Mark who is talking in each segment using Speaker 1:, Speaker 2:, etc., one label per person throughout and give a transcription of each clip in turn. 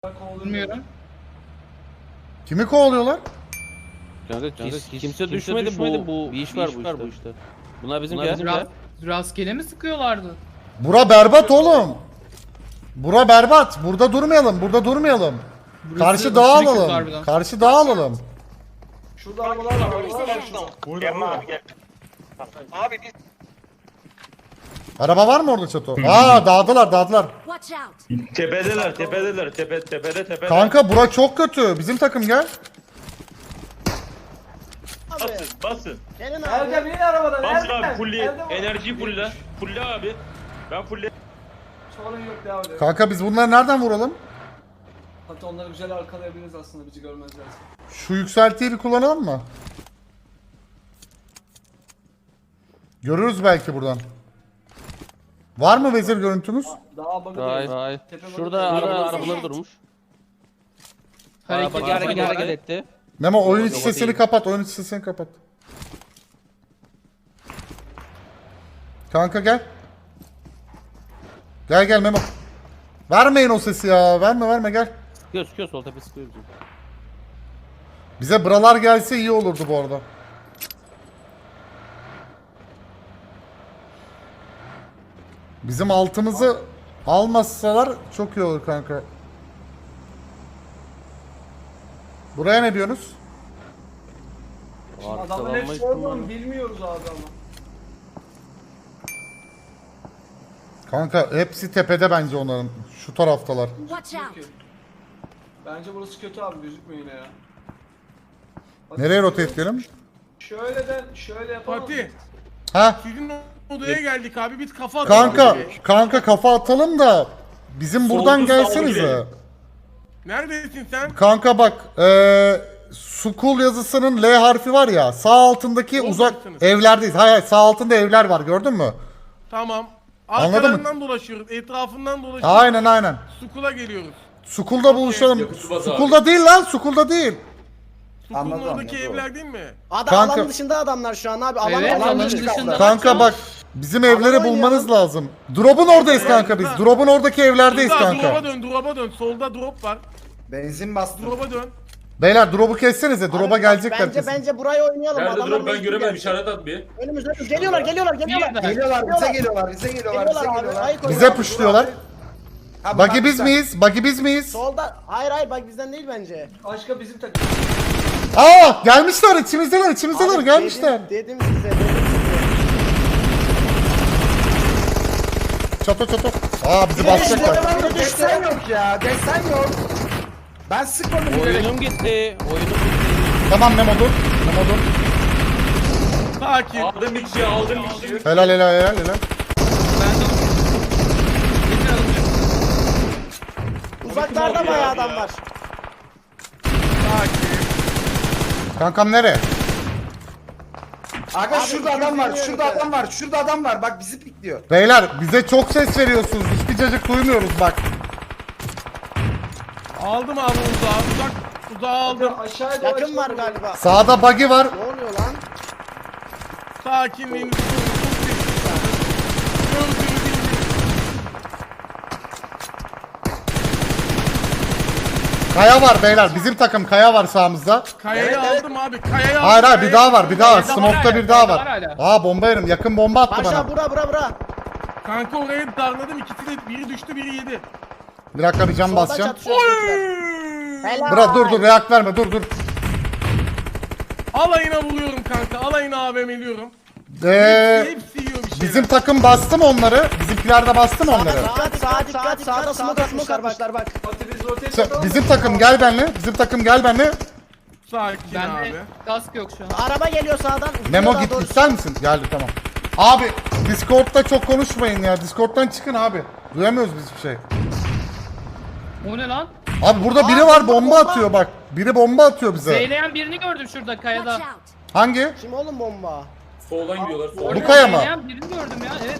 Speaker 1: Bilmiyorum.
Speaker 2: Kimi kovalıyorlar?
Speaker 3: Kanka kimse düşmedi bu bir iş var bu işte. Bunlar bizim geldi.
Speaker 1: Rastgele mi sıkıyorlardı?
Speaker 2: Bura berbat oğlum. Bura berbat. Burada durmayalım. Burada durmayalım. Karşı dağa
Speaker 1: aşırı kötü
Speaker 2: alalım.
Speaker 1: harbiden.
Speaker 2: Karşı dağa alalım.
Speaker 4: Şurada arabalar var. Arabalar var şurada.
Speaker 5: Gelme abi gel. Abi biz
Speaker 2: Araba var mı orada çato? Aa dağdılar.
Speaker 6: Watch out!
Speaker 5: tepede.
Speaker 2: Kanka bura çok kötü. Bizim takım gel.
Speaker 5: Basın.
Speaker 4: Gelin abi. Erdem yine arabadan.
Speaker 5: Basın
Speaker 4: Erdem.
Speaker 5: abi fulli.
Speaker 4: Erdem.
Speaker 5: Enerjiyi fulle. Fulle abi. Ben fulle.
Speaker 4: Sorun yok devam edelim.
Speaker 2: Kanka biz bunları nereden vuralım?
Speaker 4: Hatta onları güzel arkalayabiliriz aslında bizi görmezlerse.
Speaker 2: Şu yükseltiyi bir kullanalım mı? Görürüz belki buradan. Var mı vezir görüntümüz?
Speaker 4: Daha bakın.
Speaker 3: Hayır.
Speaker 4: Tepe
Speaker 3: Şurada
Speaker 4: bakın.
Speaker 3: arabaları durmuş. Hareket etti.
Speaker 2: Memo oyun içi
Speaker 3: Yok,
Speaker 2: sesini
Speaker 3: değil.
Speaker 2: kapat. Oyun içi sesini kapat. Kanka gel. Gel Memo. Vermeyin o sesi ya. Verme gel.
Speaker 3: Sıkıyor sol tepe sıkıyor bizim.
Speaker 2: Bize buralar gelse iyi olurdu bu arada. Bizim altımızı almasalar çok iyi olur kanka. Buraya ne diyorsunuz?
Speaker 4: Adamların
Speaker 3: Arkalanma
Speaker 4: hepsi orada mı
Speaker 3: ihtimali.
Speaker 4: bilmiyoruz abi ama.
Speaker 2: Kanka hepsi tepede bence onların. Şu taraftalar.
Speaker 6: Watch out!
Speaker 4: Peki. Bence burası kötü abi gözükmüyor yine ya. Bak,
Speaker 2: Nereye rotate edelim?
Speaker 4: şöyle yapalım.
Speaker 7: Fatih,
Speaker 2: Ha?
Speaker 7: sizin odaya geldik abi, biz kafa atalım.
Speaker 2: Kanka kafa atalım da bizim buradan
Speaker 5: Soldu, sağ
Speaker 2: gelsenize.
Speaker 5: girelim.
Speaker 7: Neredesin sen?
Speaker 2: Kanka bak, Sukul yazısının L harfi var ya, sağ altındaki uzak
Speaker 7: mısınız?
Speaker 2: evlerdeyiz. Hayır, sağ altında evler var, gördün mü?
Speaker 7: Tamam.
Speaker 2: Anladın mı?
Speaker 7: Arkalarından dolaşıyoruz, etrafından dolaşıyoruz.
Speaker 2: Aynen.
Speaker 7: Sukula geliyoruz.
Speaker 2: Sukulda buluşalım. Sukulda değil lan, Sukulda değil.
Speaker 7: Sukulun oradaki evler değil mi?
Speaker 2: Kanka-
Speaker 8: Alan dışında adamlar şu an abi.
Speaker 1: Evet,
Speaker 8: alan
Speaker 1: alanın
Speaker 8: dışı
Speaker 1: dışında.
Speaker 8: kaldı.
Speaker 2: Kanka bak, bizim evleri
Speaker 8: Alan
Speaker 2: bulmanız
Speaker 8: oynayalım.
Speaker 2: lazım. Drop'un oradayız kanka biz. Drop'un oradaki evlerdeyiz
Speaker 7: Şurada,
Speaker 2: kanka.
Speaker 7: drop'a dön. Solda drop var.
Speaker 8: Benzin bastı.
Speaker 7: Drop'a dön.
Speaker 2: Beyler drop'u kessenize, drop'a gelecekler kesin.
Speaker 8: Bence burayı oynayalım.
Speaker 5: Nerede
Speaker 8: Adamlar
Speaker 5: dur ben
Speaker 8: mecbur
Speaker 5: göremedim.
Speaker 8: gelecek.
Speaker 5: İşaret at bir.
Speaker 8: Önümüzde geliyorlar.
Speaker 1: Birden.
Speaker 8: Geliyorlar, bize geliyorlar.
Speaker 2: Bize pushluyorlar. Buggy biz miyiz? Buggy biz miyiz?
Speaker 8: Solda. Hayır bak bizden değil bence.
Speaker 4: Başka bizim takım.
Speaker 2: Aa, gelmişler, içimizdeler
Speaker 8: Abi,
Speaker 2: gelmişler.
Speaker 8: Dedim size.
Speaker 2: Çato. Aa, bizi basacaklar.
Speaker 8: Desen yok ya. Desen yok. Ben sıkmadım.
Speaker 3: Oyunum gitti.
Speaker 2: Tamam Memo dur.
Speaker 7: Sakin.
Speaker 5: Aldım bir kişiyi.
Speaker 2: Helal.
Speaker 1: Ben de
Speaker 8: Uzaklarda bayağı adam var.
Speaker 7: Sakin.
Speaker 2: Kankam nereye?
Speaker 8: Aga şurada adam var. Bak bizi pikliyor.
Speaker 2: Beyler bize çok ses veriyorsunuz. Hiçbir cacık duymuyoruz bak.
Speaker 7: Aldım abi uzağı aldım.
Speaker 4: Aşağıya doğru
Speaker 8: Yakın var
Speaker 4: çıkalım.
Speaker 8: galiba.
Speaker 2: Sağda buggy var.
Speaker 8: Ne oluyor lan?
Speaker 7: Sakinliğinizi koruyun. Çok sessiz. Gördüğünüz gibi.
Speaker 2: Kaya var beyler. Bizim takım kaya var sağımızda.
Speaker 7: Kayayı aldım abi. Kayayı aldım.
Speaker 2: Hayır bir daha var.
Speaker 1: Kayada var
Speaker 2: Smoke'ta
Speaker 1: hala,
Speaker 2: bir daha
Speaker 1: kayada
Speaker 2: var.
Speaker 1: var hala.
Speaker 2: Aa, bomba yerim. Yakın bomba attı
Speaker 8: Başla
Speaker 2: bana.
Speaker 8: bura.
Speaker 7: Kanka orayı darladım. İkisi de biri düştü biri yedi.
Speaker 2: Bir dakika bir cam
Speaker 8: Soldan
Speaker 2: basacağım.
Speaker 8: çatışıyor. Helal.
Speaker 2: Bırak dur react verme dur.
Speaker 7: Alayına vuruyorum kanka. Alayına AVM'liyorum. Hepsi yiyor bir şeyler.
Speaker 2: Bizim takım bastı mı onları? Bizimkiler de bastı mı onları?
Speaker 8: Sağa dikkat. Sağda smoke atmışlar bak.
Speaker 4: Fatih biz rotate atalım.
Speaker 2: Bizim takım gel benimle.
Speaker 7: Sakin
Speaker 1: Bende
Speaker 7: abi.
Speaker 1: kask yok şu an.
Speaker 8: Araba geliyor sağdan.
Speaker 2: Memo
Speaker 8: Daha
Speaker 2: git
Speaker 8: doğrusu.
Speaker 2: ister misin? Geldi tamam. Abi Discord'da çok konuşmayın ya. Discord'dan çıkın abi. Duyamıyoruz biz bir şey.
Speaker 1: O ne lan?
Speaker 2: Abi burada biri var bomba atıyor bak. Biri bomba atıyor bize.
Speaker 1: Zeyleyen birini gördüm şurada kayada.
Speaker 6: Watch out!
Speaker 2: Hangi?
Speaker 8: Kim oğlum bomba?
Speaker 5: Soldan gidiyorlar.
Speaker 2: Bu
Speaker 1: Orada
Speaker 2: kaya mı?
Speaker 1: zeyleyen birini gördüm ya. Evet.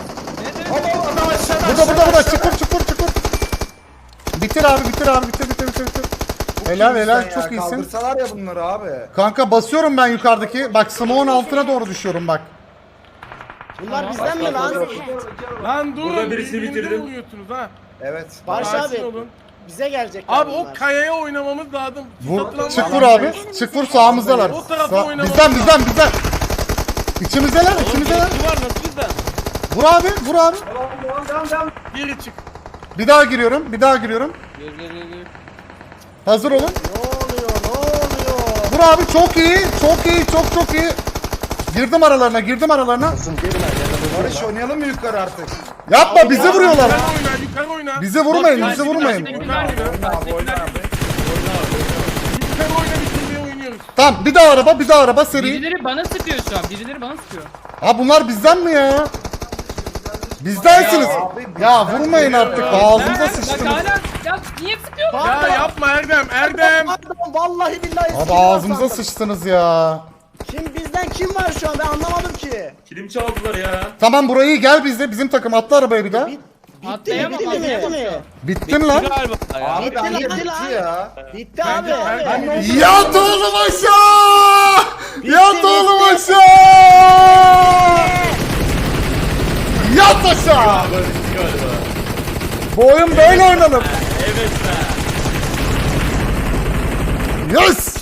Speaker 2: Burada çukur. Bitir abi bitir. Helal çok iyisin.
Speaker 8: Kaldırsalar ya bunları abi.
Speaker 2: Kanka basıyorum ben yukarıdaki. Bak smoke'un altına doğru düşüyorum bak.
Speaker 8: Bunlar bizden mi lan?
Speaker 7: Lan durun.
Speaker 5: Burada birisini
Speaker 7: birbirinize
Speaker 5: bitirdim.
Speaker 7: vuruyorsunuz ha.
Speaker 8: Evet.
Speaker 7: Sakin
Speaker 8: Barış abi.
Speaker 7: olun.
Speaker 8: Bize gelecekler
Speaker 7: Abi
Speaker 8: bunlar.
Speaker 7: o kayaya oynamamız lazım.
Speaker 2: Vur, çık vur abi. Çık vur sağımızdalar.
Speaker 7: O tarafa oynamamız
Speaker 2: Bizden. İçimizdeler.
Speaker 3: Birisi var nasıl bizden?
Speaker 2: Vur abi, vur abi.
Speaker 4: Devam.
Speaker 7: Geri çık.
Speaker 2: Bir daha giriyorum.
Speaker 3: Gel.
Speaker 2: Hazır olun.
Speaker 8: Ne oluyor?
Speaker 2: Vur abi, çok iyi. Çok iyi. Girdim aralarına.
Speaker 8: Barış oynayalım mı yukarı artık?
Speaker 2: Yapma, bizi vuruyorlar.
Speaker 7: Yukarı oyna.
Speaker 2: Bizi vurmayın.
Speaker 7: Yukarı oyna, bitirmeye oynuyoruz.
Speaker 2: Tamam, bir daha araba seri.
Speaker 1: Birileri bana sıkıyor şu an. Birileri bana sıkıyor.
Speaker 2: Ha bunlar bizden mi ya? Bizdensiniz. Ya vurmayın artık. Ağzınıza
Speaker 1: Bak
Speaker 2: sıçtınız.
Speaker 1: hala ya niye sıkıyor?
Speaker 7: Ya yapma Erdem.
Speaker 8: Pardon, vallahi billahi.
Speaker 2: Abi
Speaker 8: silah
Speaker 2: ağzımıza
Speaker 8: sandım.
Speaker 2: sıçtınız ya.
Speaker 8: Bizden kim var şu an ben anlamadım ki.
Speaker 5: Kilim çaldılar ya.
Speaker 2: Tamam burayı gel bizde. Bizim takım atla arabaya bir daha.
Speaker 1: Atlayamam.
Speaker 8: Bitti mi?
Speaker 2: Bittin lan.
Speaker 3: Galiba ya.
Speaker 8: Bitti lan. Bitti abi.
Speaker 2: Yat oğlum aşağı! Yat oğlum aşağı! Yat aşağı!
Speaker 5: Galiba.
Speaker 2: Bu oyun böyle oynanır.
Speaker 5: Evet be.
Speaker 2: Yes!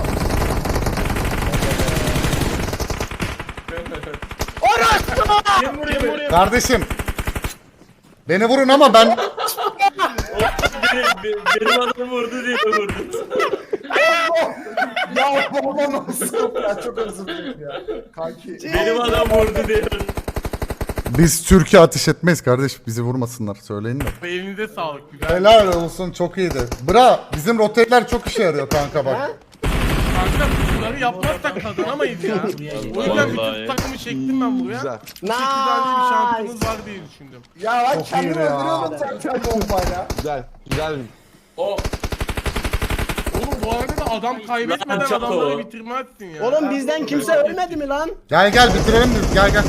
Speaker 5: Kim vuruyor?
Speaker 2: Kardeşim. Beni vurun ama ben
Speaker 5: Benim adam vurdu diye vurdu.
Speaker 8: Ya baba nasıl? Ya çok özür dilerim ya. Kanki.
Speaker 5: Benim adam vurdu diye.
Speaker 2: biz Türkiye ateş etmeyiz kardeş. Bizi vurmasınlar söyleyin de.
Speaker 7: Elinize sağlık. Güzel.
Speaker 2: Helal olsun çok iyiydi. Bra bizim rotetler çok işe yarıyor kanka bak.
Speaker 7: Kanka bunları yapmazsak kazanamayız ya. O yüzden bütün
Speaker 5: Vallahi.
Speaker 7: takımı çektim ben buraya.
Speaker 8: Güzel.
Speaker 7: Bir tane bir şansımız var diye düşündüm.
Speaker 8: Ya lan
Speaker 2: Çok
Speaker 8: kendimi
Speaker 2: iyi ya.
Speaker 8: öldürüyordum zaten bombayla.
Speaker 5: O
Speaker 7: Oğlum bu arada da adam kaybetmeden
Speaker 5: Lan çatı
Speaker 7: adamları
Speaker 5: o.
Speaker 7: bitirmezsin ya.
Speaker 8: Oğlum bizden kimse ölmedi mi lan?
Speaker 2: Gel bitirelim biz gel.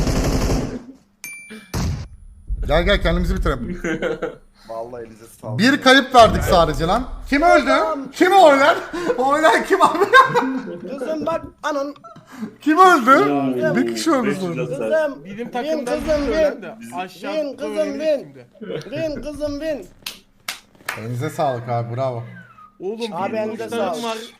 Speaker 2: Gel kendimizi bitirelim.
Speaker 8: Vallahi elinize sağlık.
Speaker 2: Bir kayıp verdik sadece lan. Kim öldü? Kim oynar? Oynar kim abi?
Speaker 8: Kızım bak anın.
Speaker 2: Kim öldü? Bir kişi öldü
Speaker 5: 500
Speaker 2: sonra.
Speaker 5: hasar.
Speaker 8: Kızım.
Speaker 7: Bizim
Speaker 8: Bin
Speaker 7: takımdan
Speaker 8: kızım
Speaker 7: söylen
Speaker 8: bin.
Speaker 7: de aşağı
Speaker 8: Bin kızım
Speaker 7: öğreniriz
Speaker 8: bin.
Speaker 7: şimdi.
Speaker 8: Bin kızım bin.
Speaker 2: Elinize sağlık abi bravo.
Speaker 7: Oğlum
Speaker 8: Abi
Speaker 7: bir
Speaker 8: elinize
Speaker 7: uçlarım
Speaker 8: sağlık.
Speaker 7: var.